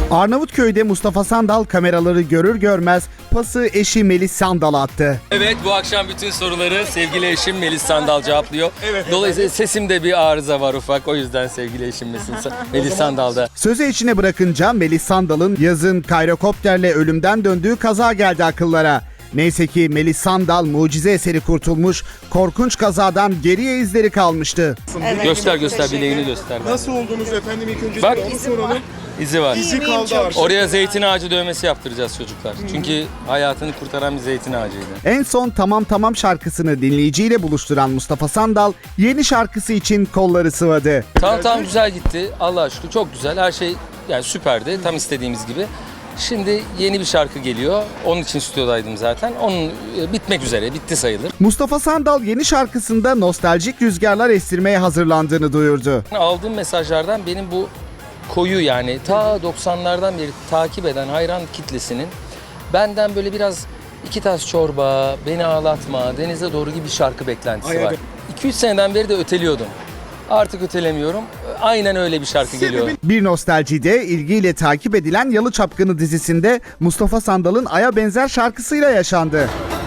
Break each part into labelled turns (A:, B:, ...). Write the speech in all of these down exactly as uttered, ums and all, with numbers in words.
A: Arnavutköy'de Mustafa Sandal kameraları görür görmez pası eşi Melis Sandal'a attı.
B: Evet, bu akşam bütün soruları sevgili eşim Melis Sandal cevaplıyor.
C: Evet,
B: Dolayısıyla evet. Sesimde bir arıza var ufak. O yüzden sevgili eşim Melis Sandal'da.
A: Sözü içine bırakınca Melis Sandal'ın yazın kayrokopterle ölümden döndüğü kaza geldi akıllara. Neyse ki Melis Sandal mucize eseri kurtulmuş, korkunç kazadan geriye izleri kalmıştı.
B: Evet, göster göster bileğini göster.
C: Nasıl oldunuz efendim, ilk önce
B: Bak,
C: onu soralım.
B: İzi var.
C: İzi kaldı artık.
B: Oraya zeytin ağacı dövmesi yaptıracağız çocuklar. Hmm. Çünkü hayatını kurtaran bir zeytin ağacıydı.
A: En son Tamam Tamam şarkısını dinleyiciyle buluşturan Mustafa Sandal yeni şarkısı için kolları sıvadı.
B: Tamam tamam güzel gitti. Allah'a şükür çok güzel. Her şey yani süperdi. Tam istediğimiz gibi. Şimdi yeni bir şarkı geliyor. Onun için stüdyodaydım zaten. Onun bitmek üzere. Bitti sayılır.
A: Mustafa Sandal yeni şarkısında nostaljik rüzgarlar estirmeye hazırlandığını duyurdu.
B: Aldığım mesajlardan benim bu koyu yani ta doksanlardan beri takip eden hayran kitlesinin benden böyle biraz iki tas çorba, beni ağlatma, denize doğru gibi bir şarkı beklentisi
C: Ay,
B: var. iki üç seneden beri de öteliyordum. Artık ötelemiyorum. Aynen öyle bir şarkı geliyor.
A: Bir nostaljide ilgiyle takip edilen Yalı Çapkını dizisinde Mustafa Sandal'ın Ay'a benzer şarkısıyla yaşandı.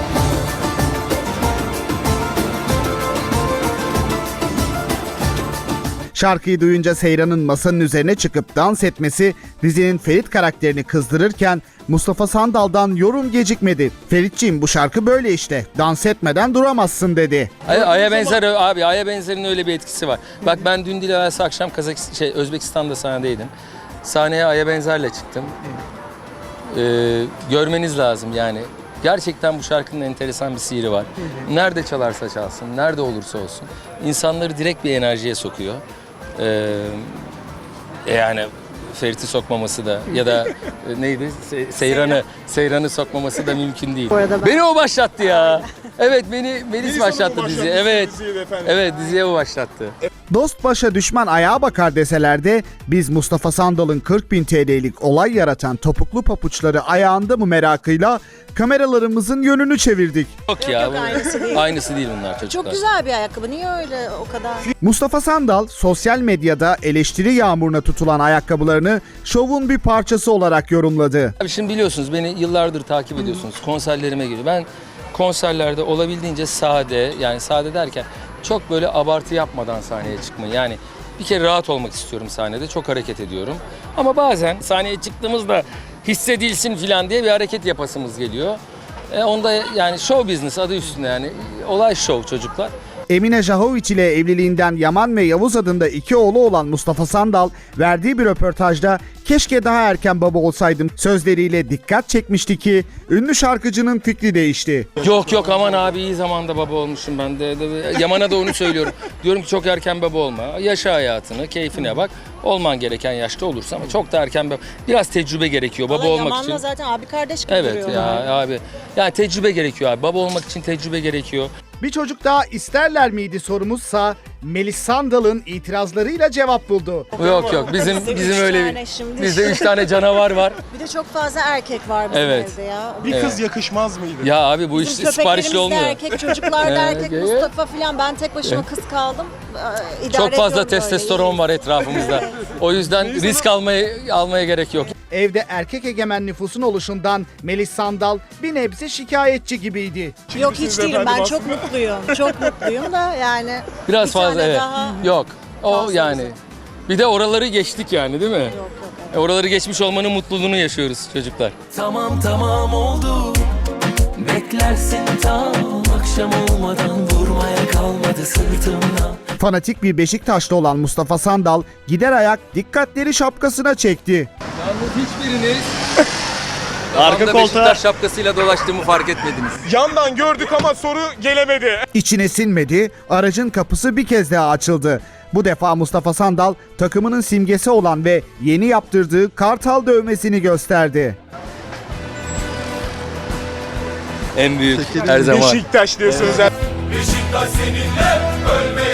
A: Şarkıyı duyunca Seyran'ın masanın üzerine çıkıp dans etmesi dizinin Ferit karakterini kızdırırken Mustafa Sandal'dan yorum gecikmedi. "Feritciğim, bu şarkı böyle işte. Dans etmeden duramazsın" dedi.
B: Ay, Ay'a benzer abi, Ay'a benzerin öyle bir etkisi var. Bak ben dün değil evvelsi akşam Kazakistan, şey Özbekistan'da sahnedeydim. Sahneye Ay'a benzerle çıktım. Ee, görmeniz lazım yani. Gerçekten bu şarkının enteresan bir sihri var. Nerede çalarsa çalsın, nerede olursa olsun insanları direkt bir enerjiye sokuyor. Ee, yani Ferit'i sokmaması da ya da e, neydi Se Seyran'ı Seyran'ı sokmaması da mümkün değil. Ben... Beni o başlattı ya. Evet beni Melis başlattı diziyi. Evet. Evet diziye o başlattı.
A: Dost başa düşman ayağa bakar deseler de biz Mustafa Sandal'ın kırk bin T L'lik olay yaratan topuklu papuçları ayağında mı merakıyla kameralarımızın yönünü çevirdik.
B: Yok ya.
D: Yok, aynısı değil.
B: Aynısı değil bunlar çocuklar.
D: Çok güzel bir ayakkabı. Niye öyle o kadar?
A: Mustafa Sandal sosyal medyada eleştiri yağmuruna tutulan ayakkabılarını şovun bir parçası olarak yorumladı.
B: Abi şimdi biliyorsunuz beni yıllardır takip ediyorsunuz. Konserlerime geliyor. Ben konserlerde olabildiğince sade, yani sade derken çok böyle abartı yapmadan sahneye çıkmayı. Yani bir kere rahat olmak istiyorum sahnede. Çok hareket ediyorum. Ama bazen sahneye çıktığımızda hissedilsin falan diye bir hareket yapasımız geliyor. E onda yani show business adı üstünde yani. Olay show çocuklar.
A: Emine Jahoviç ile evliliğinden Yaman ve Yavuz adında iki oğlu olan Mustafa Sandal verdiği bir röportajda "Keşke daha erken baba olsaydım" sözleriyle dikkat çekmişti ki ünlü şarkıcının fikri değişti.
B: Yok yok aman abi iyi zamanda baba olmuşum ben de. Yaman'a da onu söylüyorum. Diyorum ki çok erken baba olma. Yaşa hayatını, keyfine bak. Olman gereken yaşta olursa ama çok da erken baba. Biraz tecrübe gerekiyor baba
D: Vallahi
B: olmak
D: Yaman'la
B: için.
D: zaten abi kardeş gibi
B: Evet
D: duruyorlar.
B: ya abi. Yani tecrübe gerekiyor abi. Baba olmak için tecrübe gerekiyor.
A: Bir çocuk daha isterler miydi sorumuzsa Melis Sandal'ın itirazlarıyla cevap buldu.
B: Yok yok bizim
D: Bizim
B: bizim
D: üç
B: öyle
D: tane şimdi.
B: bizde üç tane canavar var.
D: Bir de çok fazla erkek var bizim
B: Evet.
D: evde ya.
C: Bir
B: Evet.
C: kız yakışmaz mıydı?
B: Ya abi bu iş
D: Bizim
B: siparişli
D: köpeklerimiz de
B: olmuyor.
D: erkek, çocuklar da
B: Evet,
D: erkek,
B: evet.
D: Mustafa falan. Ben tek başıma kız kaldım. Ee, idare
B: Çok fazla
D: ediyorum böyle.
B: testosteron var etrafımızda. O yüzden risk almaya almaya gerek yok.
A: Evde erkek egemen nüfusun oluşundan Melis Sandal bir nebze şikayetçi gibiydi.
D: Yok hiç
C: Kimsiniz
D: değilim.
C: efendim
D: Ben
C: aslında?
D: çok mutluyum. Çok mutluyum da yani.
B: Biraz
D: bir
B: fazla
D: tane
B: evet.
D: daha-
B: Yok. O
D: fazla
B: yani.
D: bizim.
B: Bir de oraları geçtik yani değil mi?
D: Yok, yok, evet.
B: E, Oraları geçmiş olmanın mutluluğunu yaşıyoruz çocuklar.
E: Tamam tamam oldu. Beklersin tam akşam olmadan, vurmaya kalmadı sırtımdan.
A: Fanatik bir Beşiktaşlı olan Mustafa Sandal gider ayak dikkatleri şapkasına çekti.
B: Yalnız hiçbiriniz
C: Arka
B: Arka
C: koltuğa-
B: Beşiktaş şapkasıyla dolaştığımı fark etmediniz.
C: Yandan gördük ama soru gelemedi.
A: İçine sinmedi, aracın kapısı bir kez daha açıldı. Bu defa Mustafa Sandal takımının simgesi olan ve yeni yaptırdığı kartal dövmesini gösterdi.
B: En büyük her zaman.
C: Beşiktaş diyorsunuz.
E: Beşiktaş seninle ölmeye